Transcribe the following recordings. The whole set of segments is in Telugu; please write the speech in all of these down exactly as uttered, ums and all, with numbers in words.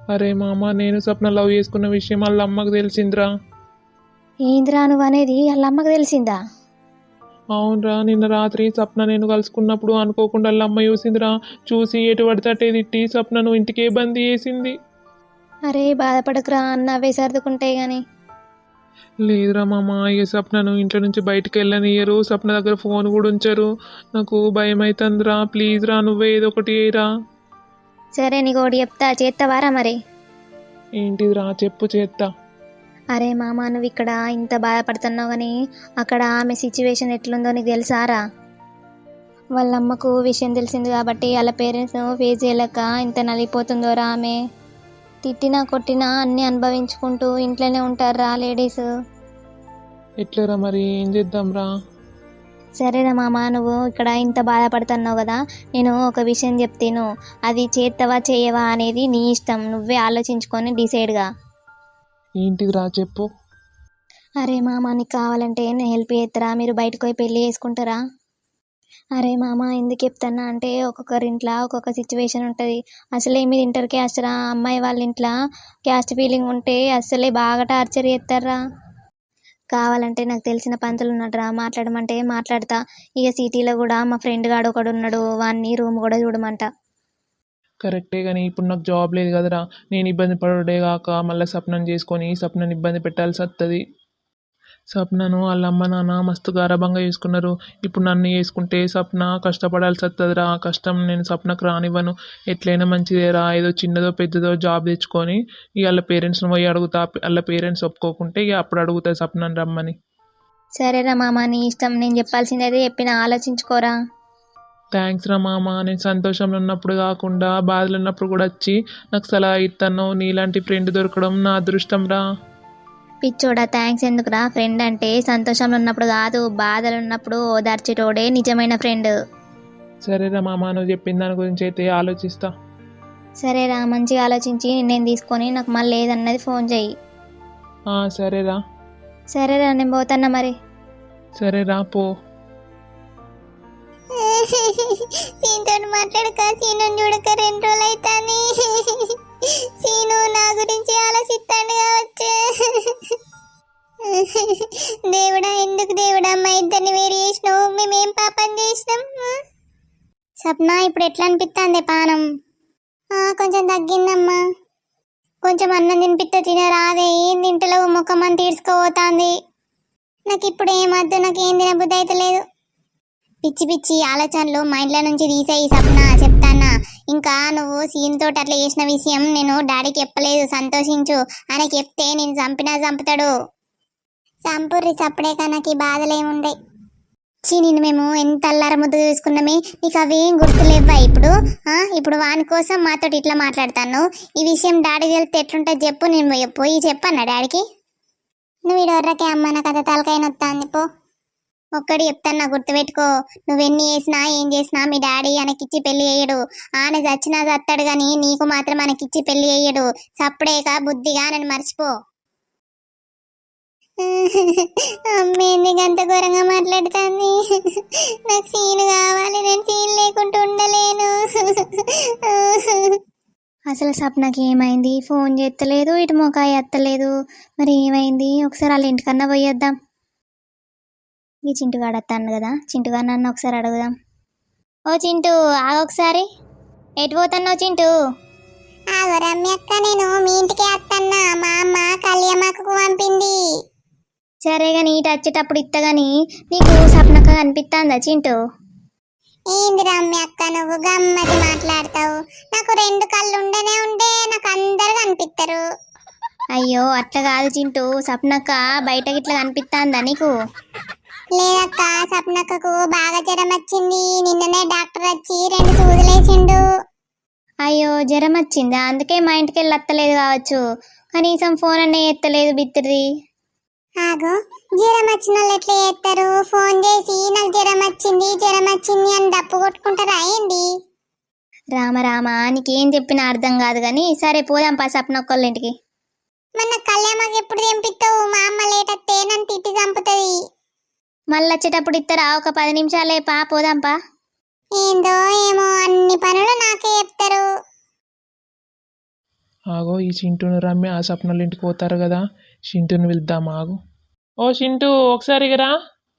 అరే మామ, నేను సప్న లవ్ చేసుకున్న విషయం వాళ్ళ అమ్మకు తెలిసిందిరా. ఏందిరా నువ్వు అనేది వాళ్ళ అమ్మకు తెలిసిందా? అవునరా, నిన్న రాత్రి సప్న నేను కలుసుకున్నప్పుడు అనుకోకుండా వాళ్ళ అమ్మ చూసిందిరా. చూసి ఎటు పడితే అటే తిట్టి సప్నను ఇంటికే బందీ చేసింది. అరే బాధపడకురా, అన్న అవే సర్దుకుంటాయి గాని. లేదురా మామ, ఇక సప్నను ఇంట్లో నుంచి బయటకు వెళ్ళనియరు, సప్న దగ్గర ఫోన్ కూడా ఉంచరు. నాకు భయం అవుతుందిరా. ప్లీజ్ రా, నువ్వే ఏదో ఒకటి చేయరా. సరే నీకు ఒకటి చెప్తా, చేస్తావారా మరి? ఏంటిదిరా చెప్పు, చేస్తా. అరే మామ, నువ్వు ఇక్కడ ఇంత బాధపడుతున్నావు కానీ అక్కడ ఆమె సిచ్యువేషన్ ఎట్లుందో నీకు తెలుసారా? వాళ్ళ అమ్మకు విషయం తెలిసింది కాబట్టి వాళ్ళ పేరెంట్స్ ఫేస్ చేయలేక ఇంత నలిగిపోతుందోరా. ఆమె తిట్టినా కొట్టినా అన్నీ అనుభవించుకుంటూ ఇంట్లోనే ఉంటారా లేడీస్. ఎట్లరా మరి, ఏం చేద్దాంరా? సరేనా మామ, నువ్వు ఇక్కడ ఇంత బాధపడుతున్నావు కదా, నేను ఒక విషయం చెప్తాను. అది చేస్తావా చేయవా అనేది నీ ఇష్టం, నువ్వే ఆలోచించుకొని డిసైడ్గా. ఏంటిదిరా చెప్పు. అరే మామ, నీకు కావాలంటే నేను హెల్ప్ చేస్తారా? మీరు బయటకు పోయి పెళ్ళి చేసుకుంటారా? అరే మామ, ఎందుకు చెప్తున్నా అంటే ఒక్కొక్కరి ఇంట్లో ఒక్కొక్క సిచ్యువేషన్ ఉంటుంది. అసలే మీరు ఇంటర్ క్యాస్ట్ రా, అమ్మాయి వాళ్ళ ఇంట్లో క్యాస్ట్ ఫీలింగ్ ఉంటే అసలే బాగా టార్చర్ చేస్తారా. కావాలంటే నాకు తెలిసిన పంతులు ఉన్నాడురా, మాట్లాడమంటే మాట్లాడతా. ఇక సిటీలో కూడా మా ఫ్రెండ్ గాడు ఒకడు ఉన్నాడు, వాడిని రూమ్ కూడా చూడమంట. కరెక్టే కానీ ఇప్పుడు నాకు జాబ్ లేదు కదరా. నేను ఇబ్బంది పడుడే కాక మళ్ళీ సప్నను చేసుకొని సప్నను ఇబ్బంది పెట్టాల్సి వస్తుంది. సప్నను వాళ్ళ అమ్మ నాన్న మస్తు గారాబంగా చేసుకున్నారు. ఇప్పుడు నన్ను చేసుకుంటే సప్న కష్టపడాల్సి వస్తుందిరా. ఆ కష్టం నేను సప్నకు రానివ్వను. ఎట్లయినా మంచిదేరా, ఏదో చిన్నదో పెద్దదో జాబ్ తెచ్చుకొని ఇక వాళ్ళ పేరెంట్స్ని పోయి అడుగుతా. వాళ్ళ పేరెంట్స్ ఒప్పుకోకుంటే ఇక అప్పుడు అడుగుతా సప్నను రమ్మని. సరేరా మామ, నీ ఇష్టం. నేను చెప్పాల్సింది అయితే చెప్పిన, ఆలోచించుకోరా. థ్యాంక్స్ రా మామ, నేను సంతోషంలో ఉన్నప్పుడు కాకుండా బాధలు ఉన్నప్పుడు కూడా వచ్చి నాకు సలహా ఇస్తాను. నీలాంటి ఫ్రెండ్ దొరకడం నా అదృష్టం రా. పిచ్చోడా, థ్యాంక్స్ ఎందుకురా? ఫ్రెండ్ అంటే సంతోషంలో ఉన్నప్పుడు కాదు, బాధలు ఉన్నప్పుడు ఓదార్చేటోడే నిజమైన ఫ్రెండ్. సరేరా మామ, నువ్వు చెప్పిన దాని గురించి అయితే ఆలోచిస్తా. సరేరా, మంచిగా ఆలోచించి నేను తీసుకొని నాకు మళ్ళీ ఏదన్నది ఫోన్ చెయ్యి. ఆ, సరేరా. సరేరా, నేను పోతున్నా మరి. సరేరా, పో. సీనుతో మాట్లాడక, సీను చూడక రెండు రోజులు అవుతాని. సీను నా గురించి ఆలోచిస్తాడు కావచ్చు. దేవుడా, ఎందుకు దేవుడా మా ఇద్దరిని వేరు చేసినావు? మేమేం పాపం చేసినాం? సప్న, ఇప్పుడు ఎట్లా అనిపిస్తుంది పానం? కొంచెం తగ్గిందమ్మా. కొంచెం అన్నం తినిపిస్తే తినరాదే? ఏం తింటలేవు, ముఖం అని తీర్చుకోపోతుంది. నాకు ఇప్పుడు ఏమద్దు, నాకు ఏం తినబుద్ధి అయితే లేదు. పిచ్చి పిచ్చి ఆలోచనలు మైండ్లో నుంచి తీసేయి సప్న, చెప్తానా. ఇంకా నువ్వు సీన్ తోటి అట్లా చేసిన విషయం నేను డాడీకి చెప్పలేదు, సంతోషించు. ఆయనకి చెప్తే నేను చంపినా చంపుతాడు. చంపుర్రి చప్పుడే, నాకు ఈ బాధలు ఏముండే. చీ, నిన్ను మేము ఎంత అల్లార ముద్దు చూసుకున్నామే, నీకు అవేం గుర్తులేవ్వా ఇప్పుడు? ఇప్పుడు వాని కోసం మాతోటి ఇట్లా మాట్లాడతాను. ఈ విషయం డాడీ తెలిస్తే ఎట్లుంటుంది చెప్పు. నేను పోయి చెప్పన్నా డాడీకి. నువ్వు ఇడవర్రకే అమ్మ, నా కథ తలకాయ నొత్తాంది పో. ఒక్కడి చెప్తాను, గుర్తుపెట్టుకో. నువ్వెన్ని చేసినా ఏం చేసినా మీ డాడీ ఆయనకిచ్చి పెళ్లి చేయడు. ఆయన చచ్చినా చస్తాడు కానీ నీకు మాత్రం మనకిచ్చి పెళ్లి చేయడు. సప్పుడేక బుద్ధిగా నన్ను మర్చిపో. అమ్మేందుకు అంత ఘోరంగా మాట్లాడుతుంది? నాకు సీన్ కావాలి, నేను సీన్ లేకుండా ఉండలేను. అసలు సప్నకి ఏమైంది? ఫోన్ చేస్తలేదు, ఇటు మొకాయ ఎత్తలేదు. మరి ఏమైంది? ఒకసారి వాళ్ళ ఇంటికన్నా పోయేద్దాం. ఈ చింటుగాడు వస్తాను కదా, చింటుగా నన్ను ఒకసారి అడుగుదాం. ఓ చింటూ, ఆగొకసారి. ఎటు పోతున్నావు చింటూ? ఆగో రమ్య అక్క, నేను మీ ఇంటికి వస్తాన్నా. మా అమ్మ కళ్యాణకు పంపింది. సరే కానీ ఇటు వచ్చేటప్పుడు ఇత్తగాని నీకు సప్నక్క కనిపిస్తుందా చింటూ? ఏంది రమ్య అక్క, నువ్వు గమ్మతి మాట్లాడతావు. నాకు రెండు కళ్ళు ఉండనే ఉండే, నాకు అందరు కనిపిస్తారు. అయ్యో అట్లా కాదు చింటూ, సప్నక్క బయటకి ఇట్లా కనిపిస్తుందా నీకు? లేదక్క, సప్నక్కకు బాగా జ్వరం వచ్చింది. నిన్ననే డాక్టర్ వచ్చి రెండు సూదులేసిండు. అయ్యో జ్వరం వచ్చిందా? అందుకే మా ఇంటికి వెళ్ళి వస్తలేదు కావచ్చు. కనీసం ఫోన్ అనే ఎత్తలేదు బిత్తిరి. ఆగో, జ్వరం వచ్చిన వాళ్ళు ఎట్లా చేస్తారు? ఫోన్ చేసి నాకు జ్వరం వచ్చింది జ్వరం వచ్చింది అని డప్పు కొట్టుకుంటారా ఏంది? రామ రామ, నీకేం చెప్పినా అర్థం కాదు కానీ సరే పోదాం పా సప్నొక్కళ్ళ ఇంటికి. మన కళ్యాణకి ఎప్పుడు తెంపిస్తావు? మా అమ్మ లేట్ వస్తే నన్ను తిట్టి చంపుతుంది. మళ్ళీ వచ్చేటప్పుడు ఇస్తారా? ఒక పది నిమిషాలే పా, పోదాంపా. ఏందో ఏమో, అన్ని పనులు నాకే చెప్తారు. ఆగో ఈ చింటూను రమ్య ఆ సప్నల ఇంటికి పోతారు కదా, చింటూని పిలుద్దాం ఆగు. ఓ చింటూ ఒకసారి రా.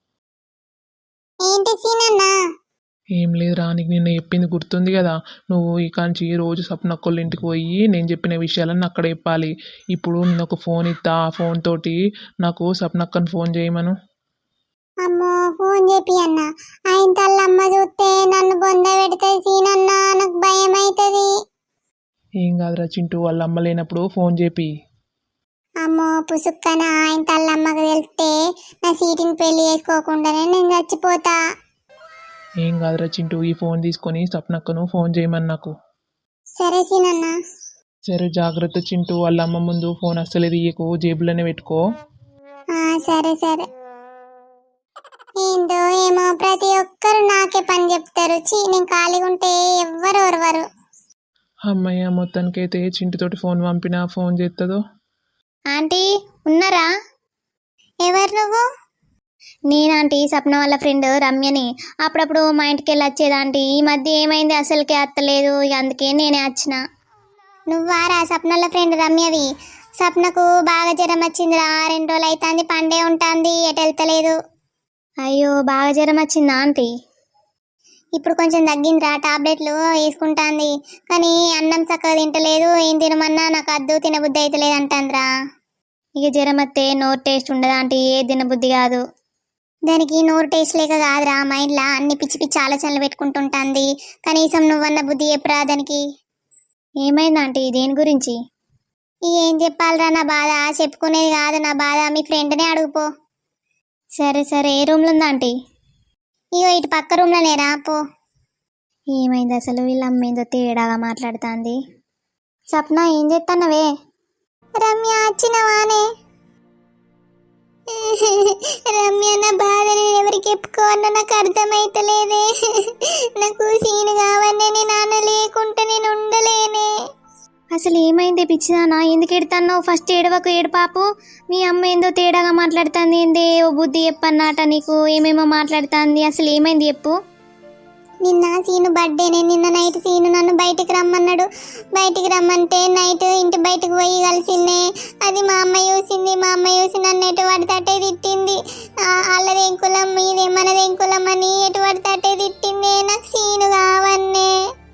ఏంటి సీనన్నా? ఏం లేదురా, నీకు నిన్న చెప్పింది గుర్తుంది కదా, నువ్వు ఈ కాంచి రోజు సప్నక్కోళ్ళ ఇంటికి పోయి నేను చెప్పిన విషయాలన్నీ అక్కడ చెప్పాలి. ఇప్పుడు నేను ఒక ఫోన్ ఇస్తా, ఆ ఫోన్ తోటి నాకు సప్నక్కని ఫోన్ చేయమను. అమ్మో ఫోన్ చెప్పి అన్న, ఆయన తల్లమ్మ చూస్తే నన్ను బొంద పెడుతుంది సీనన్నా, నాకు భయం అవుతుంది. ఏం కాదురా చింటూ, వాళ్ళ అమ్మ లేనప్పుడు ఫోన్ చేపి. అమ్మో పుసుక్కన ఆయన తల్లమ్మకు తెలిస్తే నా సీటుని పెళ్లి చేసుకోకుండానే నేను చచ్చిపోతా. ఏం కాదురా చింటూ, ఈ ఫోన్ తీసుకొని సప్నక్కను ఫోన్ చేయమని నాకు. సరే సీనన్నా. సరే జాగ్రత్త చింటూ, వాళ్ళ అమ్మ ముందు ఫోన్ అస్సలే తీయకు, జేబులోనే పెట్టుకో. ఆ, సరే సరే. ఏందో ఏమో ప్రతి ఒక్కరు నాకే పని చెప్తారు. చీ, నేను ఖాళీగా ఉంటే ఎవ్వరు ఓర్వరు. అమ్మయ్య, మొత్తానికైతే చింటుతోటి ఫోన్ పంపినా ఫోన్ చేస్తుందో. ఆంటీ ఉన్నారా? ఎవరు నువ్వు? నేను ఆంటీ సప్న వాళ్ళ ఫ్రెండ్ రమ్యని. అప్పుడప్పుడు మా ఇంటికి వెళ్ళి వచ్చేది ఆంటీ. ఈ మధ్య ఏమైంది అసలుకే అత్తలేదు, ఇక అందుకే నేనే వచ్చిన. నువ్వారా సప్నల ఫ్రెండ్ రమ్యవి? సప్నకు బాగా జ్వరం వచ్చిందిరా, రెండు రోజులు అవుతుంది, పండే ఉంటుంది, ఎటు వెళ్తలేదు. అయ్యో బాగా జ్వరం వచ్చిందా ఆంటీ? ఇప్పుడు కొంచెం తగ్గిందిరా, టాబ్లెట్లు వేసుకుంటాంది, కానీ అన్నం చక్కగా తింటలేదు. ఏం తినమన్నా నాకు అద్దు, తినబుద్ధి అయితే లేదు అంటాందిరా. ఇక జ్వరం వస్తే నోరు టేస్ట్ ఉండదు ఆంటీ, ఏ తినబుద్ధి కాదు. దానికి నోరు టేస్ట్ లేక కాదురా, మైండ్లో అన్ని పిచ్చి పిచ్చి ఆలోచనలు పెట్టుకుంటుంటుంది. కనీసం నువ్వన్న బుద్ధి చెప్పురా దానికి. ఏమైంది ఆంటీ, దేని గురించి? ఏం చెప్పాలిరా నా బాధ, చెప్పుకునేది కాదు నా బాధ, మీ ఫ్రెండ్నే అడుగుపో. సరే సరే, ఏ రూమ్లో ఉందా ఆంటీ? ఇగో ఇటు పక్క రూమ్లోనే రా పో. ఏమైంది అసలు, వీళ్ళ అమ్మేందో తేడాగా మాట్లాడుతుంది. సప్న ఏం చేస్తున్నావే? రమ్య వచ్చినవానే? రమ్య నా బాధ నేను ఎవరికి చెప్పుకోవాలో నాకు అర్థమైతలేదే. నాకు సీను కావనే, నీ నాన్న లేకుంటే నేను ఉండలేనే. అసలు ఏమైంది పిచ్చిదానా, ఎందుకు ఎడుతున్నావు? ఫస్ట్ ఏడవకు, ఏడు పాపు. మీ అమ్మ ఏందో తేడాగా మాట్లాడుతుంది, ఏందే ఓ బుద్ధి చెప్పన్నట నీకు, ఏమేమో మాట్లాడుతుంది, అసలు ఏమైంది చెప్పు. నిన్న సీను బర్త్డేనే, నిన్న నైట్ సీను నన్ను బయటికి రమ్మన్నాడు. బయటికి రమ్మంటే నైట్ ఇంటి బయటకు పోయి కలిసిందే. అది మా అమ్మ చూసింది, మా అమ్మ చూసి నన్ను ఎటు పడితే అట్టే తిట్టింది. వాళ్ళదేం కులం మీదే మనదేం కులం అని ఎటు పడితే అట్టే తిట్టిందే. నాకు సీను కావన్నే.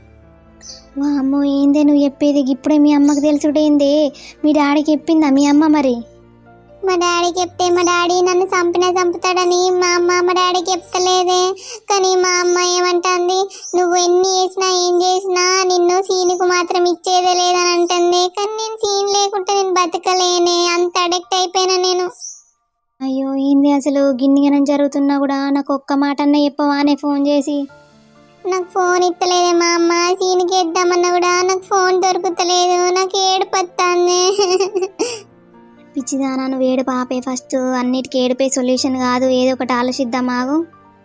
వా అమ్మో, ఏందే నువ్వు చెప్పేది? ఇప్పుడే మీ అమ్మకు తెలుసుడేందే? మీ డాడీకి చెప్పిందా మీ అమ్మ మరి? మా డాడీకి చెప్తే మా డాడీ నన్ను చంపినా చంపుతాడని మా అమ్మ మా డాడీకి చెప్తలేదే. కానీ మా అమ్మ ఏమంటుంది, నువ్వు ఎన్ని చేసినా ఏం చేసినా నిన్ను సీనుకు మాత్రం ఇచ్చేదే లేదని అంటుంది. కానీ నేను సీన్ లేకుంటే నేను బతకలేనే, అంత అడిక్ట్ అయిపోయినా నేను. అయ్యో ఏంది అసలు, గిన్నిగనం జరుగుతున్నా కూడా నాకు ఒక్క మాట అన్న చెప్పవానే ఫోన్ చేసి? నాకు ఫోన్ ఇస్తలేదే మా అమ్మ, సీన్కి ఇద్దామన్నా కూడా నాకు ఫోన్ దొరుకుతలేదు, నాకు ఏడుపొస్తుంది. పిచ్చిదానా, నువ్వు ఏడు పాపే. ఫస్ట్ అన్నిటికీ ఏడుపే సొల్యూషన్ కాదు, ఏదో ఒకటి ఆలోచిద్దాం ఆగు.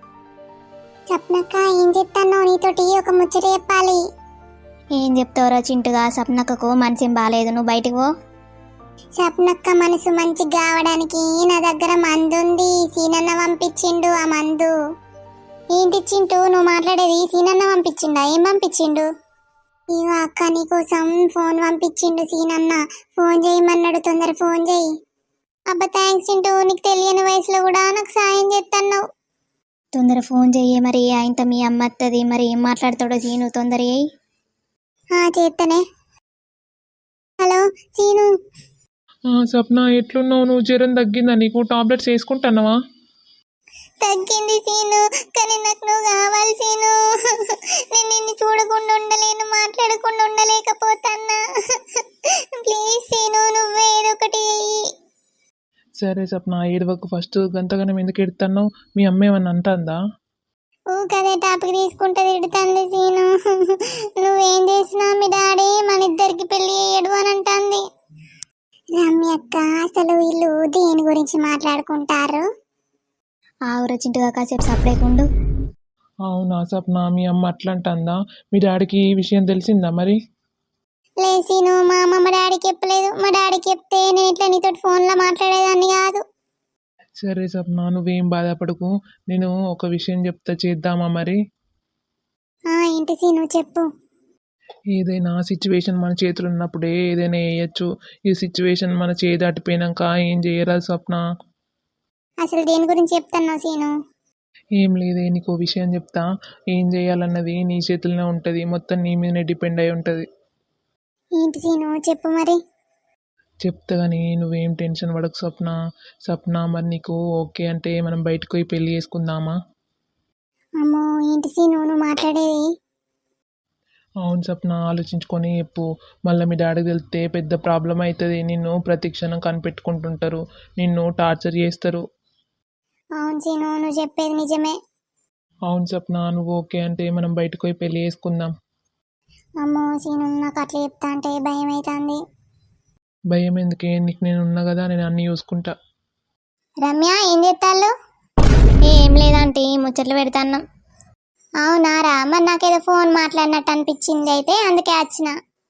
సప్నక్క ఏం చెప్తానో నీతోటి ఒక ముచ్చట చెప్పాలి. ఏం చెప్తావురా చింటుగా, సప్నక్కకు మనసేం బాగాలేదు, నువ్వు బయటికి పో. సప్నక్క మనసు మంచిగా కావడానికి నా దగ్గర మందు ఉంది, సీనన్న పంపించిండు ఆ మందు. ఏంటి చింటూ నువ్వు మాట్లాడేది? సీనన్న పంపించిండా? ఏం పంపించిండు? ఇవో అక్క నీకోసం ఫోన్ పంపించిండు సీనన్న, ఫోన్ చేయమన్నాడు, తొందర ఫోన్ చేయి. అబ్బా థ్యాంక్స్ చింటూ, నీకు తెలియని వయసులో కూడా నాకు సాయం చేస్తున్నావు. తొందర ఫోన్ చెయ్యి, మరి ఆయనతో మీ అమ్మ వస్తుంది, మరి ఏం మాట్లాడతాడో సీను, తొందర చేయి. చేస్తానే. Hello scene. సప్న ఎట్లున్నావు నువ్వు? జ్వరం తగ్గిందా నీకు? టాబ్లెట్స్ వేసుకుంటున్నావా? తగ్గింది సీను, కానీ నాకు నువ్వు కావాలి సీను. నేను నిన్ను చూడకుండా ఉండలేను, మాట్లాడకుండా ఉండలేకపోతున్నా. ప్లీజ్ సీను, నువ్వే ఏదో ఒకటి చెయ్యి. సరే సప్న, ఏడవకు. ఫస్ట్ గంతగానం ఎందుకు ఎడుతున్నావు? మీ అమ్మ ఏమన్నా అంటుందా? ఊ కదే టాపిక్ తీసుకుంటే తిడుతుంది సీను. నువ్వేం చేసినా మీ డాడీ మన ఇద్దరికి పెళ్లి చేయడు అని అంటుంది. రమ్యక్క అసలు వీళ్ళు దేని గురించి మాట్లాడుకుంటారు? ఆవురా చింటుగా, కాసేపు సపరేకుండు. అవునా సప్న, మీ అమ్మ అట్లా అంటుందా? మీ డాడీకి ఈ విషయం తెలిసిందా మరి? లేసీను, మా అమ్మ మా డాడీకి చెప్పలేదు. మా డాడీకి చెప్తే నేను ఇట్లా నీతో ఫోన్లో మాట్లాడేదాన్ని కాదు. సరే సప్న, నువ్వేం బాధపడకు. నేను ఒక విషయం చెప్తా, చేద్దామా మరి? ఏంటి సీను చెప్పు. ఏదైనా సిచ్యువేషన్ మన చేతులు ఉన్నప్పుడే ఏదైనా వేయచ్చు. ఈ సిచ్యువేషన్ మన చేయి దాటిపోయినాక ఏం చేయరాదు స్వప్న. అసలు దేని గురించి చెప్తున్నావు సీను? ఏం లేదే, నీకు విషయం చెప్తా. ఏం చేయాలన్నది నీ చేతుల్లోనే ఉంటుంది, మొత్తం నీ మీదనే డిపెండ్ అయి ఉంటుంది. ఏంటి సీను, చెప్పు మరి. చెప్తా కానీ నువ్వేం టెన్షన్ పడకు స్వప్న. స్వప్న మరి నీకు ఓకే అంటే మనం బయటకు పోయి పెళ్ళి చేసుకుందామా? అమ్మో ఏంటి సీను నువ్వు మాట్లాడేది? అవును స్వప్న, ఆలోచించుకొని చెప్పు. మళ్ళీ మీ డాడీకి తెలిస్తే పెద్ద ప్రాబ్లం అవుతుంది. నిన్ను ప్రతి క్షణం కనిపెట్టుకుంటుంటారు, నిన్ను టార్చర్ చేస్తారు. అవును సీను నువ్వు చెప్పేది నిజమే. అవును స్వప్న, నువ్వు ఓకే అంటే మనం బయటకు పోయి పెళ్ళి చేసుకుందాం. అమ్మో సీను నాకు అట్లా చెప్తా అంటే భయం అవుతుంది. భయం ఎందుకే, నీకు నేను ఉన్నా కదా, నేను అన్నీ చూసుకుంటా. రమ్య ఏం చేస్తాళ్ళు? ఏం లేదంటే ముచ్చట్లు పెడతాన్నాం. అవునారా, మరి నాకేదో ఫోన్ మాట్లాడినట్టు అనిపించింది, అయితే అందుకే వచ్చిన.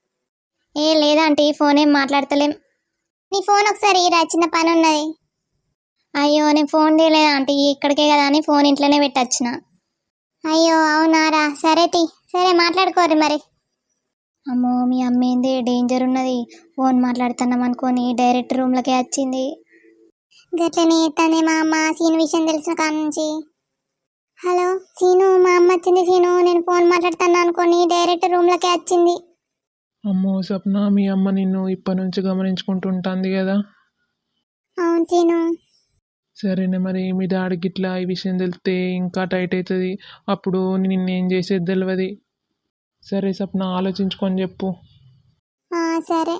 ఏ లేదంటే ఫోన్ ఏం మాట్లాడతలేం. నీ ఫోన్ ఒకసారి రా, చిన్న పని ఉన్నది. అయ్యో నేను ఫోన్ తీయలేదా ఆంటీ, ఇక్కడికే కదా అని ఫోన్ ఇంట్లోనే పెట్టొచ్చిన. అయ్యో అవునారా, సరే తి సరే మాట్లాడుకోరు మరి. అమ్మో మీ అమ్మ ఏంది డేంజర్ ఉన్నది, ఫోన్ మాట్లాడుతున్నాం అనుకొని డైరెక్ట్ రూమ్లకే వచ్చింది. గట్లనే ఎత్తానే మా అమ్మ సీను విషయం తెలిసిన కాడ నుంచి. హలో సీను, మా అమ్మ వచ్చింది సీను, నేను ఫోన్ మాట్లాడుతాను అనుకొని డైరెక్ట్ రూమ్లకే వచ్చింది. అమ్మో స్వప్న, మీ అమ్మ నిన్ను ఇప్పటి నుంచి గమనించుకుంటుంటుంది కదా. అవును సీను. సరేనే, మరి మీ డాడీకి ఇట్లా ఈ విషయం తెలిస్తే ఇంకా టైట్ అవుతుంది, అప్పుడు నిన్నేం చేసేది తెలియదు. సరే స్వప్న, ఆలోచించుకొని చెప్పు. ఆ, సరే.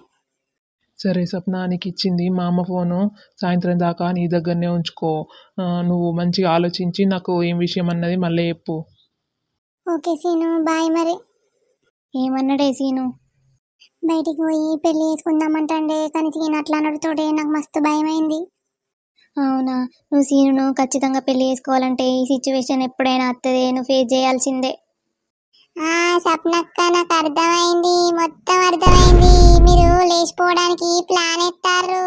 సరే స్వప్న, నీకు ఇచ్చింది మా అమ్మ ఫోను, సాయంత్రం దాకా నీ దగ్గరనే ఉంచుకో. ఆ, నువ్వు మంచిగా ఆలోచించి నాకు ఏం విషయం అన్నది మళ్ళీ చెప్పు. ఓకే సీను, బాయ్ మరి. ఏమన్నాడే సీను? బయటికి పోయి పెళ్లి చేసుకుందామంటే కానీ సీను అట్లా అనడుతోటే నాకు మస్తు భయమైంది. అవునా, నువ్వు సీనును ఖచ్చితంగా పెళ్లి చేసుకోవాలంటే ఈ సిచ్యువేషన్ ఎప్పుడైనా వస్తుంది, నువ్వు ఫేస్ చేయాల్సిందే. ఆ సప్నక్క, నాకు అర్థమైంది, మొత్తం అర్థమైంది. మీరు లేచిపోవడానికి ప్లాన్ ఎత్తారు.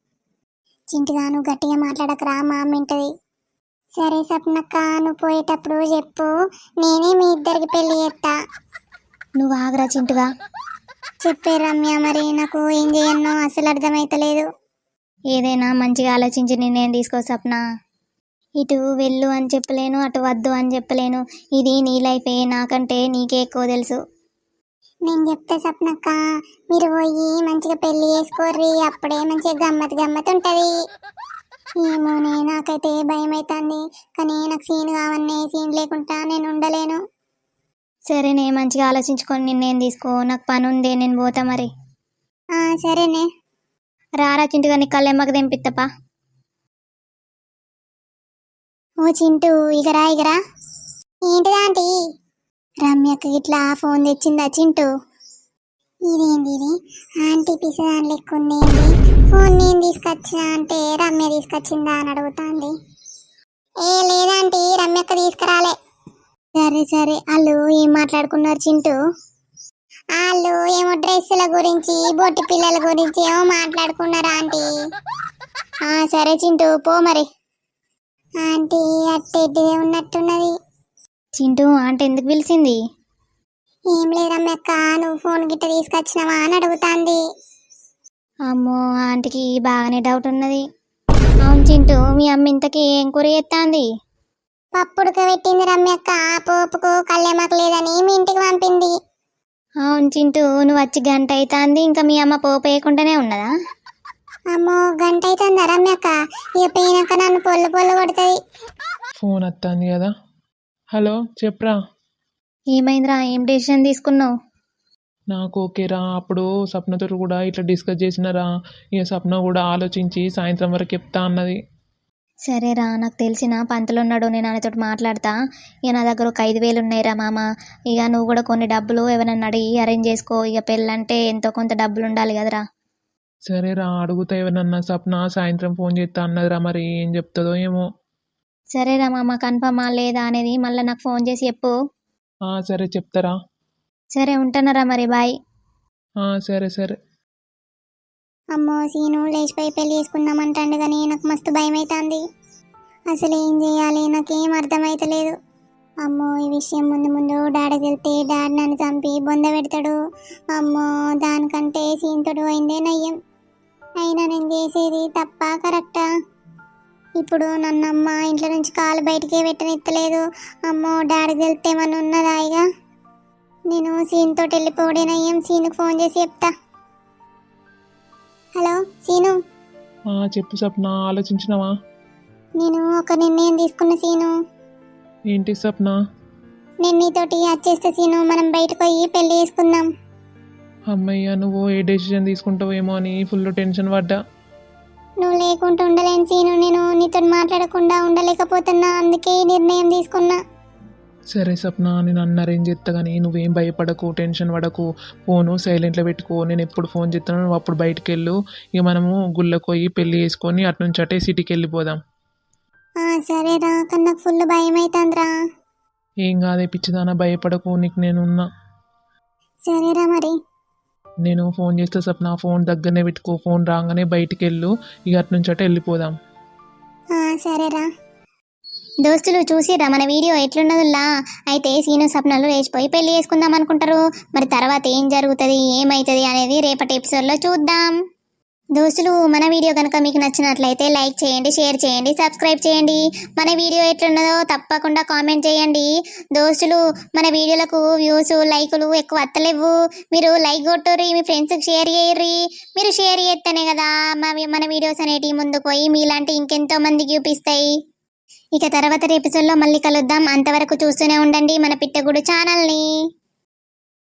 చింటిగా నువ్వు గట్టిగా మాట్లాడకరా, మా అమ్మ వింటది. సరే సప్నక్క, నువ్వు పోయేటప్పుడు చెప్పు, నేనే మీ ఇద్దరికి పెళ్లి చేస్తా. నువ్వు ఆగరా చింటుగా. చెప్పే రమ్య, మరి నాకు ఏం చేయన్నో అసలు అర్థమైతలేదు. ఏదైనా మంచిగా ఆలోచించి నిర్ణయం తీసుకో సప్న. ఇటు వెళ్ళు అని చెప్పలేను, అటు వద్దు అని చెప్పలేను. ఇది నీ లైఫే, నాకంటే నీకే ఎక్కువ తెలుసు. నేను చెప్తే సప్నక్క, మీరు పోయి మంచిగా పెళ్లి చేసుకోర్రి, అప్పుడే మంచిగా గమ్మత్ గమ్మత్ ఉంటుంది. ఏమోనే, నాకైతే భయం అవుతుంది, కానీ నాకు సీన్ కావన్నే, సీన్ లేకుండా నేను ఉండలేను. సరేనే, మంచిగా ఆలోచించుకొని నిర్ణయం తీసుకో. నాకు పని ఉంది, నేను పోతా మరి. ఆ సరేనే. రారా చింటుగా, నీ కళ్ళెమ్మకి తెంపిత్తపా. ఓ చింటూ, ఇగరా ఇగరా. ఏంటిదా ఆంటీ? రమ్యకి ఇట్లా ఫోన్ తెచ్చిందా చింటూ? ఇదేంది ఇది, ఆంటీ పిసదాని లెక్క ఉంది ఏంది? ఫోన్ నేను తీసుకొచ్చినా అంటే రమ్య తీసుకొచ్చిందా అని అడుగుతాంది. ఏ లేదంటీ, రమ్యక్క తీసుకురాలే. సరే సరే, వాళ్ళు ఏం మాట్లాడుకున్నారు చింటూ? వాళ్ళు ఏమో డ్రెస్సుల గురించి, బొట్టి పిల్లల గురించి ఏమో మాట్లాడుకున్నారు ఆంటీ. ఆ సరే చింటూ, పో మరి. ఆంటీ అట్టెడ్డిదే ఉన్నట్టున్నది. చింటూ ఆంటీ ఎందుకు పిలిచింది? ఏం లేదమ్మక్క, నువ్వు ఫోన్ గిట్ట తీసుకొచ్చినావా అని అడుగుతాంది. అమ్మో, ఆంటీకి బాగానే డౌట్ ఉన్నది. అవును చింటూ, మీ అమ్మ ఇంతకీ ఏం కూర చేస్తాంది? పప్పుడుక పెట్టింది రమ్యక్క, పోపుకు కళ్యామాకు లేదని మీ ఇంటికి పంపింది. అవును చింటూ, నువ్వు వచ్చి గంట అవుతుంది, ఇంకా మీ అమ్మ పోపు వేయకుండానే ఉన్నదా? అమ్మో గంట అవుతుందా రమ్యక్క? ఇక పోయినాక నన్ను పొల్లు పొల్లు కొడుతుంది. ఫోన్ వస్తుంది కదా. హలో చెప్పరా. ఏమైందిరా, ఏం డెసిషన్ తీసుకున్నావు? నాకు ఓకేరా, అప్పుడు సప్నతో కూడా ఇట్లా డిస్కస్ చేసినారా, ఇక సప్న కూడా ఆలోచించి సాయంత్రం వరకు చెప్తా అన్నది. సరేరా, నాకు తెలిసిన పంతులు ఉన్నాడు, నేను ఆయనతో మాట్లాడతా. ఇక నా దగ్గర ఒక ఐదు వేలు ఉన్నాయిరా మామ. ఇక నువ్వు కూడా కొన్ని డబ్బులు ఎవరన్నా అడిగి అరేంజ్ చేసుకో. ఇక పెళ్ళంటే ఎంతో కొంత డబ్బులు ఉండాలి కదరా. సరేరా, అడుగుతా ఎవరన్నా. సప్న సాయంత్రం ఫోన్ చేస్తా అన్నదిరా, మరి ఏం చెప్తుందో ఏమో. సరేరా మామ, కన్ఫర్మా లేదా అనేది మళ్ళీ నాకు ఫోన్ చేసి చెప్పు. ఆ సరే చెప్తారా. సరే ఉంటున్నారా మరి, బాయ్. ఆ సరే సరే. అమ్మో సీను లేచిపోయి పెళ్లి చేసుకుందామంటాడు, కానీ నాకు మస్తు భయం అవుతుంది. అసలు ఏం చేయాలి, నాకేం అర్థమైతలేదు. అమ్మో ఈ విషయం ముందు ముందు డాడీకి వెళ్తే డాడీ నన్ను చంపి బొంద పెడతాడు. అమ్మో దానికంటే సీంతోడు అయిందే నయ్యం. అయినా నేను చేసేది తప్ప కరెక్టా? ఇప్పుడు నన్ను అమ్మ ఇంట్లో నుంచి కాలు బయటికే పెట్టనిత్తలేదు. అమ్మో డాడీకి వెళ్తే ఏమన్నా ఉన్నదా ఇక? నేను సీన్తో వెళ్ళిపోవడేనయ్యం. సీనుకు ఫోన్ చేసి చెప్తా. హలో సీను, ఆ, చెప్పు సప్న, ఆలోచించినావా? నేను ఒక నిర్ణయం తీసుకున్న సీను. ఏంటి సప్న? నేను నీతోటి వచ్చేస్తే సీను మనం బయటకు పోయి పెళ్లి చేసుకుందాం. అమ్మయ్య, నువ్వు ఏ డెసిషన్ తీసుకుంటావేమో అని ఫుల్ టెన్షన్ పడ్డా. నువ్వు లేకుండా ఉండలేను సీను. నేను నీతో మాట్లాడకుండా ఉండలేకపోతున్నా, అందుకే ఈ నిర్ణయం తీసుకున్నా. సరే సప్న, నేను అన్న అరేంజ్ చేస్తా కానీ నువ్వేం భయపడకు, టెన్షన్ పడకు. ఫోను సైలెంట్లో పెట్టుకో. నేను ఎప్పుడు ఫోన్ చేస్తాను నువ్వు అప్పుడు బయటికి వెళ్ళు. ఇక మనము గుళ్ళకు పోయి పెళ్ళి చేసుకొని అటు నుంచి అటే సిటీకి వెళ్ళిపోదాం. ఆ సరేరా, కానీ నాకు ఫుల్ భయం అవుతుందిరా. ఏం కాదే పిచ్చిదానా, భయపడకు, నీకు నేనున్నా. సరేరా మరి. నేను ఫోన్ చేస్తే సప్న ఫోన్ దగ్గరనే పెట్టుకో. ఫోన్ రాగానే బయటికి వెళ్ళు. ఇక అటు నుంచి అటే వెళ్ళిపోదాం. ఆ సరేరా. దోస్తులు చూసిరా మన వీడియో ఎట్లున్నదిలా? అయితే సీను సప్నలు లేచిపోయి పెళ్లి చేసుకుందాం అనుకుంటారు. మరి తర్వాత ఏం జరుగుతుంది, ఏమవుతుంది అనేది రేపటి ఎపిసోడ్లో చూద్దాం. దోస్తులు మన వీడియో కనుక మీకు నచ్చినట్లయితే లైక్ చేయండి, షేర్ చేయండి, సబ్స్క్రైబ్ చేయండి. మన వీడియో ఎట్లున్నదో తప్పకుండా కామెంట్ చేయండి. దోస్తులు మన వీడియోలకు వ్యూస్ లైకులు ఎక్కువ వత్తలేవు. మీరు లైక్ కొట్టుర్రి, మీ ఫ్రెండ్స్కి షేర్ చేయర్రి. మీరు షేర్ చేస్తేనే కదా మన వీడియోస్ అనేటివి ముందుకు పోయి మీలాంటి ఇంకెంతో మందికి చూపిస్తాయి. ఇక తర్వాత ఎపిసోడ్లో మళ్ళీ కలుద్దాం. అంతవరకు చూస్తూనే ఉండండి మన పిట్టగుడు ఛానల్ని.